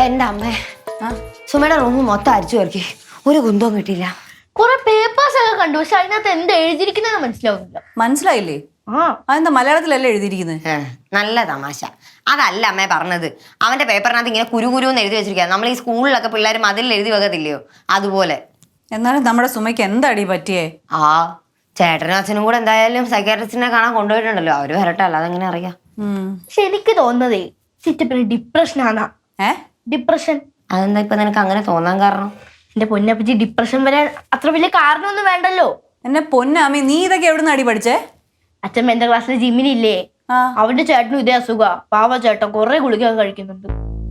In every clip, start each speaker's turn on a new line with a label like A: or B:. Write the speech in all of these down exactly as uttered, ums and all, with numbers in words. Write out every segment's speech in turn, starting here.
A: എന്റെ അമ്മേ സുമയുടെ റൂം മൊത്തം അരിച്ചു പെറുക്കി ഒരു കുന്തവും കിട്ടിയില്ല.
B: കുറെ പേപ്പേഴ്സ് ഒക്കെ കണ്ടു, പക്ഷെ അതിനകത്ത് എന്താ എഴുതിയിരിക്കുന്നത് മനസ്സിലാവുന്നില്ല.
C: മനസ്സിലായില്ലേ?
B: ആ
C: അതെന്താ മലയാളത്തിലല്ലേ എഴുതിയിരിക്കുന്നത്?
A: നല്ല തമാശ. അതല്ല അമ്മേ പറഞ്ഞത്. അവന്റെ പേപ്പറിനകത്ത് ഇങ്ങനെ കുരു കുരു എന്ന് എഴുതി വെച്ചിരിക്കുക. നമ്മൾ ഈ സ്കൂളിലൊക്കെ പിള്ളേർ മതിൽ എഴുതി വെക്കത്തില്ലയോ അതുപോലെ.
C: എന്നാലും നമ്മുടെ സുമയ്ക്ക് എന്താടി പറ്റിയേ?
A: ആ ചേട്ടനും അച്ഛനും കൂടെ എന്തായാലും സൈക്കാട്രിസ്റ്റിനെ കാണാൻ കൊണ്ടുപോയിട്ടുണ്ടല്ലോ. അവര് വരട്ടെ, അല്ലാതെ എങ്ങനെ അറിയാം.
B: പക്ഷെ എനിക്ക് തോന്നുന്നതേ ചിറ്റപ്പിന് ഡിപ്രഷൻ ആണാ.
C: ഏ
B: ഡിപ്രഷൻ.
A: അതെന്താ ഇപ്പൊ നിനക്ക് അങ്ങനെ തോന്നാൻ കാരണം?
B: എന്റെ പൊന്നപ്പച്ചി, ഡിപ്രഷൻ വരാൻ അത്ര വലിയ കാരണമൊന്നും വേണ്ടല്ലോ.
C: എന്നെ പൊന്നാമി, നീ ഇതൊക്കെ എവിടെ നിന്ന് അടി പഠിച്ചേ?
B: അച്ഛൻ എന്റെ ക്ലാസ്സിലെ ജിമ്മിനില്ലേ, അവന്റെ ചേട്ടനും ഇതേ അസുഖ. പാവ ചേട്ടൻ കൊറേ ഗുളിക കഴിക്കുന്നുണ്ട്.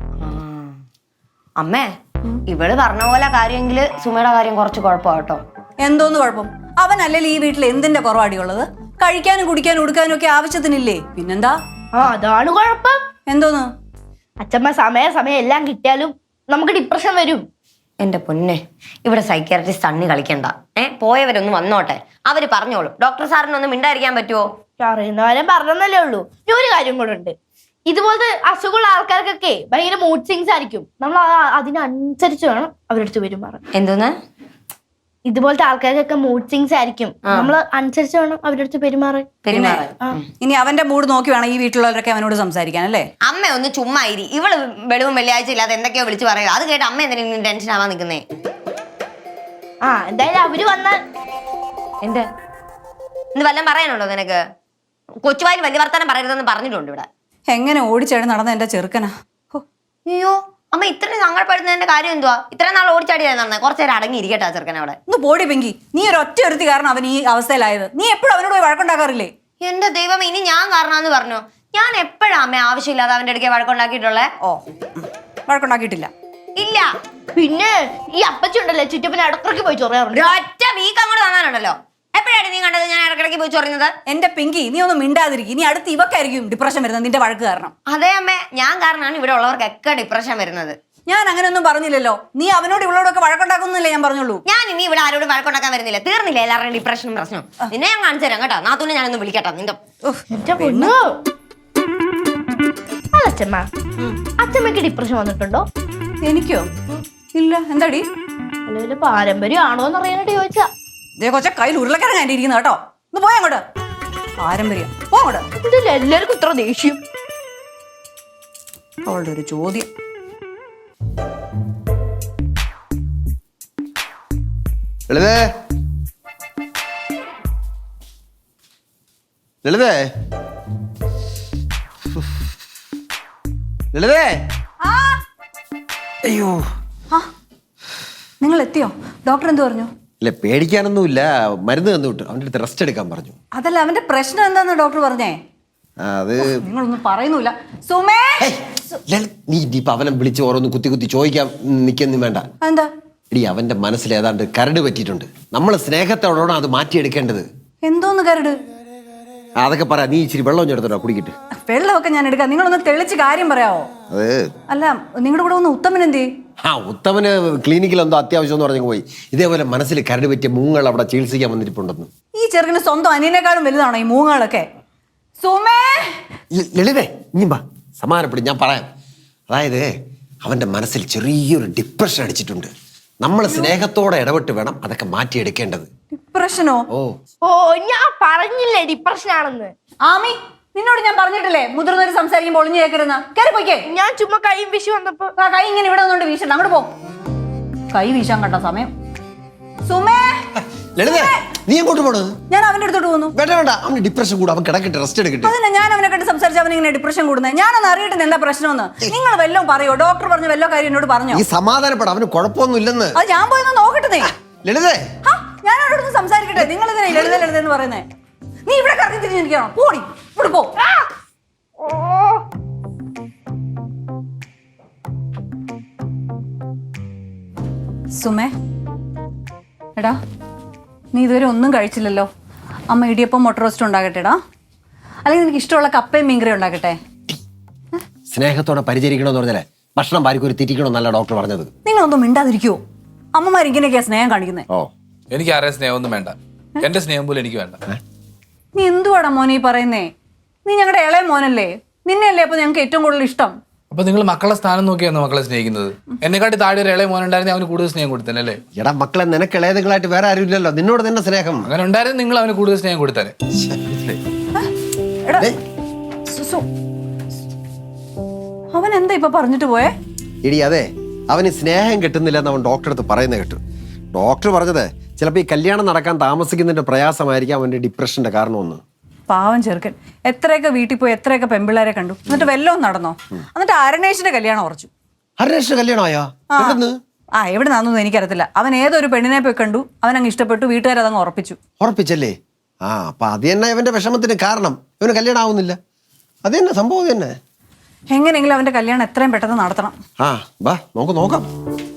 A: അമ്മേ ഇവള് പറഞ്ഞ പോലെ കാര്യമെങ്കില് സുമയുടെ കാര്യം കുറച്ച് കുഴപ്പമാട്ടോ.
C: എന്തോന്ന് കുഴപ്പം? അവനല്ലേ ഈ വീട്ടിൽ എന്തിന്റെ കുറവാടിയുള്ളത്? കഴിക്കാനും കുടിക്കാനും ഉടുക്കാനും ഒക്കെ ആവശ്യത്തിനില്ലേ? പിന്നെന്താ?
B: ആ അതാണ് കുഴപ്പം.
C: എന്തോന്ന്?
B: അച്ഛമ്മ സമയ സമയം എല്ലാം കിട്ടിയാലും നമുക്ക് ഡിപ്രഷൻ വരും.
A: എന്റെ പൊന്നെ, ഇവിടെ സൈക്കാട്രിസ്റ്റ് തണ്ണി കളിക്കണ്ട. ഏ പോയവരൊന്നും വന്നോട്ടെ, അവര് പറഞ്ഞോളും. ഡോക്ടർ സാറിനൊന്നും മിണ്ടായിരിക്കാൻ പറ്റുമോ?
B: അറിയുന്നവരെ പറഞ്ഞതല്ലേ ഉള്ളൂ. ഇനി ഒരു കാര്യം കൂടെ ഉണ്ട്. ഇതുപോലത്തെ അസുഖമുള്ള ആൾക്കാർക്കൊക്കെ ഭയങ്കര മൂഡ് സ്വിങ്സ് ആയിരിക്കും. നമ്മൾ അതിനനുസരിച്ച് വേണം അവരുടെ അടുത്ത് പെരുമാറാൻ.
A: എന്തോന്ന്?
B: ഇതുപോലത്തെ ആൾക്കാർക്കൊക്കെ മൂഡ് സ്വിങ്സ് ആയിരിക്കും. നമ്മൾ അനുസരിച്ച് വേണം അവരുടെ അടുത്ത് പെരുമാറാൻ.
C: ഇനി അവന്റെ മൂഡ് നോക്കി വേണം ഈ വീട്ടിലുള്ളവരൊക്കെ അവനോട് സംസാരിക്കാൻ അല്ലേ?
A: അമ്മ ഒന്ന് ചുമ്മാ ഇരി. ഇവള് വെളിവും വെള്ളിയാഴ്ച ഇല്ലാതെ എന്തൊക്കെയോ വിളിച്ച് പറയുക. അത് കേട്ട് അമ്മ എന്തെങ്കിലും ടെൻഷൻ ആവാൻ നിൽക്കുന്നേ?
B: ആ എന്തായാലും അവര് വന്നാൽ
A: എന്ത് എന്ത് വല്ലതും പറയാനുണ്ടോ നിനക്ക്? കൊച്ചുവായിൽ വലിയ വർത്താനം പറയരുതെന്ന് പറഞ്ഞിട്ടുണ്ട് ഇവിടെ.
C: എങ്ങനെ ഓടിച്ചേടി നടന്ന എന്റെ ചെറുക്കനാ.
A: അയ്യോ അമ്മ, ഇത്രയും സങ്കടപ്പെടുന്നതിന്റെ കാര്യം എന്തുവാ? ഇത്രയും നാൾ ഓടിച്ചാടിയാ നടന്നേ. കുറച്ചു നേരം അടങ്ങിയിരിക്കട്ടെ ആ ചെറുക്കൻ അവിടെ.
C: ഒന്ന് പോടി പെങ്കി, നീ ഒരു ഒറ്റ ഒരുത്തി കാരണം അവൻ ഈ അവസ്ഥയിലായത്. നീ എപ്പോഴും അവനോട് പോയി വഴക്കുണ്ടാക്കാറില്ലേ?
A: എന്റെ ദൈവം, ഇനി ഞാൻ കാരണമാന്ന് പറഞ്ഞു. ഞാൻ എപ്പോഴാ അമ്മ ആവശ്യമില്ലാതെ അവന്റെ അടുക്കെ വഴക്കുണ്ടാക്കിയിട്ടുള്ളേ?
C: ഓ വഴക്കുണ്ടാക്കിയിട്ടില്ല.
A: ഇല്ല.
B: പിന്നെ ഈ അപ്പച്ചി ഉണ്ടല്ലേ, ചുറ്റപ്പനെ ഇടക്കിടക്ക് പോയി ചൊറിയാറുണ്ട്.
A: ഒറ്റ വീക്ക് അങ്ങോട്ട് തന്നാലുണ്ടല്ലോ. എപ്പോഴാണ് നീ കണ്ടത് ഞാൻ ഇടക്കിടക്ക് പോയി ചൊറിയുന്നത്?
C: എന്റെ പിങ്കി, നീ ഒന്നും മിണ്ടാതിരിക്കും. ഇനി അടുത്ത് ഇവക്കായിരിക്കും ഡിപ്രഷൻ വരുന്നത് നിന്റെ വഴക്ക് കാരണം.
A: അതെ അമ്മേ, ഞാൻ കാരണമാണ് ഇവിടെ ഉള്ളവർക്കൊക്കെ ഡിപ്രഷൻ വരുന്നത്.
C: ഞാൻ അങ്ങനെയൊന്നും പറഞ്ഞില്ലല്ലോ. നീ അവനോട് ഇവളോടൊക്കെ വഴക്കുണ്ടാക്കുന്നില്ലേ ഞാൻ പറഞ്ഞോളൂ.
A: ഞാൻ ഇനി ഇവിടെ ആരോടും വഴക്കുണ്ടാക്കാൻ വരുന്നില്ല. തീർന്നില്ല എല്ലാവരുടെയും ഡിപ്രഷനും പ്രശ്നം. നിന്നെ ഞാൻ കാണിച്ചു തരാം കേട്ടോ. നാത്തൂനെ ഞാനൊന്ന് വിളിക്കട്ടോ നിന്റെ.
B: അച്ഛമ്മ, അച്ഛമ്മക്ക് ഡിപ്രഷൻ വന്നിട്ടുണ്ടോ?
C: എനിക്കോ? ഇല്ല. എന്താടി?
B: അല്ലെങ്കിൽ പാരമ്പര്യം ആണോ എന്ന് അറിയാനായിട്ട് ചോദിച്ചാ.
C: ഇതേ കൊച്ച കയ്യിൽ ഉരുളക്കിഴങ്ങ് ആയിട്ട് ഇരിക്കുന്ന കേട്ടോ. ഒന്ന് പോയാ അങ്ങോട്ട്. പാരമ്പര്യം പോ അങ്ങോട്ട്.
B: ഇതിൽ എല്ലാവർക്കും ഇത്ര ദേഷ്യം.
C: അവളുടെ ഒരു ചോദ്യം.
D: ലളിതേ, ലളിതേ, ലളിതേ. അയ്യോ,
C: നിങ്ങൾ എത്തിയോ? ഡോക്ടർ എന്ത് പറഞ്ഞു?
D: ഇല്ല, പേടിക്കാനൊന്നുമില്ല. മരുന്ന് തന്നു വിട്ടു. അവൻ്റെ അടുത്ത് റെസ്റ്റ് എടുക്കാൻ പറഞ്ഞു.
C: അതല്ല, അവന്റെ പ്രശ്നം എന്താന്ന് ഡോക്ടർ പറഞ്ഞേ?
D: അത്
C: നിങ്ങളൊന്നും പറയുന്നില്ല. സുമേ,
D: നീ ഇപ്പൊ അവനെ വിളിച്ച് ഓരോന്ന് കുത്തി കുത്തി ചോദിക്കാൻ നിൽക്കൊന്നും വേണ്ട.
C: എന്താ?
D: എടി, അവന്റെ മനസ്സിൽ ഏതാണ്ട് കരട് പറ്റിയിട്ടുണ്ട്. നമ്മൾ സ്നേഹത്തോടാണ് അത് മാറ്റിയെടുക്കേണ്ടത്.
C: എന്തോന്ന് കരട്?
D: അതൊക്കെ പറ. നീ ഇച്ചിരി വെള്ളം എടുത്തോട്ടോ കുടിക്കിട്ട്.
C: വെള്ളമൊക്കെ ഞാൻ എടുക്കാം. നിങ്ങളൊന്ന് തെളിച്ച് കാര്യം പറയാവോ?
D: അത്
C: അല്ല, നിങ്ങളുടെ കൂടെ ഒന്ന് ഉത്തമൻ എന്തേ?
D: ആ ഉത്തമന് ക്ലിനിക്കിൽ എന്തോ അത്യാവശ്യം എന്ന് പറഞ്ഞു പോയി. ഇതേപോലെ മനസ്സിൽ കരട് പറ്റിയ മൂങ്ങൾ അവിടെ ചികിത്സിക്കാൻ വന്നിട്ടുണ്ടെന്ന്.
C: ഈ ചെറുക്കിന് സ്വന്തം അനിയനേക്കാളും വലുതാണോ ഈ മൂങ്ങളൊക്കെ? സുമേ,
D: ലളിതേ, ഇനി വാ, സമാധാനപ്പെടും. ഞാൻ പറയാം. അതായത് അവന്റെ മനസ്സിൽ ചെറിയൊരു ഡിപ്രഷൻ അടിച്ചിട്ടുണ്ട്. നമ്മൾ സ്നേഹത്തോടെ ഇടപെട്ട് വേണം അതൊക്കെ മാറ്റിയെടുക്കേണ്ടത്.
C: ഡിപ്രഷനോ?
D: ഓ
B: ഓ ഞാൻ പറഞ്ഞില്ലേ ഡിപ്രഷൻ ആണെന്ന്.
C: ആമി, നിന്നോട് ഞാൻ പറഞ്ഞിട്ടില്ലേ മുതിർന്നവര് സംസാരിക്കുമ്പോൾ ഒളിഞ്ഞു കേൾക്കരുന്ന? കയറി പോയിക്കേ.
B: ഞാൻ ചുമ്മാ കൈയും വിഷു വന്നപ്പോ
C: ആ കൈ ഇങ്ങനെ ഇവിടെ നിന്നോണ്ട് വീശണ്ട. അങ്ങോട്ട് പോ. കൈ വീശാൻ കണ്ട സമയം. സുമേ,
D: ലളിതേ, നീ എങ്ങോട്ട് പോണ്?
C: ഞാൻ അവന്റെ അടുത്തോട്ട് പോന്നു.
D: വേണ്ട വേണ്ട, അവന് ഡിപ്രഷൻ കൂടെ. അവൻ കിടക്കട്ടെ, റെസ്റ്റ് എടുക്കട്ടെ.
C: അതന്നെ, ഞാൻ അവനെ കണ്ട് സംസാരിച്ച് അവൻ ഇങ്ങനെ ഡിപ്രഷൻ കൂടുന്നത്. ഞാനൊന്ന് അറിയട്ടെ എന്താ പ്രശ്നമെന്ന്. നിങ്ങൾ വല്ലോ പറയോ? ഡോക്ടർ പറഞ്ഞ വല്ലോ കാര്യം എന്നോട് പറഞ്ഞോ?
D: ഈ സമാധാനപ്പെടാം, അവന് കുഴപ്പമൊന്നും ഇല്ലെന്ന്.
C: അത് ഞാൻ പോയെന്ന് നോക്കട്ടെ.
D: ലളിതേ,
C: ഞാൻ അവരോടൊന്ന് സംസാരിക്കട്ടെ. നിങ്ങൾ ഇതിനെ ലളിത ലളിത എന്ന് പറയുന്നേ? നീ ഇവിടെ കറങ്ങി തിരിഞ്ഞിരിക്കണോ? പോടി, ഇവിടെ പോ. സുമേ, എടാ, നീ ഇതുവരെ ഒന്നും കഴിച്ചില്ലല്ലോ. അമ്മ ഇടിയപ്പം മുട്ട റോസ്റ്റ് ഉണ്ടാകട്ടെടാ. അല്ലെങ്കിൽ നിനക്ക് ഇഷ്ടമുള്ള കപ്പയും മീൻകറി ഉണ്ടാക്കട്ടെ.
D: സ്നേഹത്തോടെ പരിചരിക്കണമെന്ന് പറഞ്ഞാലേ ഭക്ഷണം പാരിക്കൊരു തിരിക്കണമെന്നല്ല ഡോക്ടർ പറഞ്ഞത്.
C: നിങ്ങളൊന്നും മിണ്ടാതിരിക്കുവോ? അമ്മമാർ ഇങ്ങനെയൊക്കെയാ സ്നേഹം കാണിക്കുന്നത്.
D: ഓ,
E: എനിക്ക് ആരെയും സ്നേഹമൊന്നും വേണ്ട. എന്റെ സ്നേഹം പോലും എനിക്ക് വേണ്ട.
C: നീ എന്തുവാടാ മോനെ ഈ പറയുന്നേ? നീ ഞങ്ങളുടെ ഇളയ മോനല്ലേ? നിന്നെയല്ലേ അപ്പൊ ഞങ്ങൾക്ക് ഏറ്റവും കൂടുതൽ ഇഷ്ടം.
E: അപ്പൊ നിങ്ങൾ മക്കളെ സ്ഥാനം നോക്കിയായിരുന്നു മക്കളെ സ്നേഹിക്കുന്നത്. എന്നെക്കാട്ടി താഴെ ഒരു ഇളയ മോനുണ്ടായിരുന്നെ അവന് കൂടുതൽ സ്നേഹം കൊടുത്തന്നെ അല്ലേ?
D: എടാ മക്കളെ, നിനക്ക് ഇളയതുകളായിട്ട് വേറെ ആരും ഇല്ലല്ലോ, നിന്നോട് തന്നെ സ്നേഹം.
E: അങ്ങനെ ഉണ്ടായിരുന്നു നിങ്ങൾ അവന് കൂടുതൽ സ്നേഹം കൊടുത്തന്നെ.
C: എടാ
D: ദേ,
C: സുസു, അവൻ എന്താ ഇപ്പൊ പറഞ്ഞിട്ട് പോയേ?
D: എടി അതെ, അവന് സ്നേഹം കിട്ടുന്നില്ലെന്ന് അവൻ ഡോക്ടറെ അടുത്ത് പറയുന്നത് കേട്ടു. ഡോക്ടർ പറഞ്ഞത് ചിലപ്പോൾ ഈ കല്യാണം നടക്കാൻ താമസിക്കുന്നതിന്റെ പ്രയാസമായിരിക്കും അവന്റെ ഡിപ്രഷന്റെ കാരണമെന്ന്.
C: പാവം ചെറുക്കൻ എത്രയൊക്കെ വീട്ടിൽ പോയി എത്രയൊക്കെ പെമ്പിള്ളേരെ കണ്ടു, എന്നിട്ട് വല്ലതും നടന്നോ? എന്നിട്ട് അരണേഷിന്റെ കല്യാണം ഉറച്ചു.
D: ഹരേഷിന്റെ കല്യാണമായോ?
C: ആ.
D: എവിടുന്ന്?
C: ആ എവിടെ നിന്നൊന്നും എനിക്കറിയത്തില്ല. അവൻ ഏതൊരു പെണ്ണിനെ പോയി കണ്ടു, അവൻ അങ്ങ് ഇഷ്ടപ്പെട്ടു, വീട്ടുകാർ അതങ്ങ് ഉറപ്പിച്ചു.
D: ഉറപ്പിച്ചല്ലേ? ആ അപ്പൊ അത് തന്നെ ഇവന്റെ വിഷമത്തിന് കാരണം. ഇവന് കല്യാണം ആവുന്നില്ല, അത് തന്നെ സംഭവം തന്നെ.
C: എങ്ങനെയെങ്കിലും അവന്റെ കല്യാണം എത്രയും പെട്ടെന്ന് നടത്തണം.
D: ആ വാ നമുക്ക് നോക്കാം.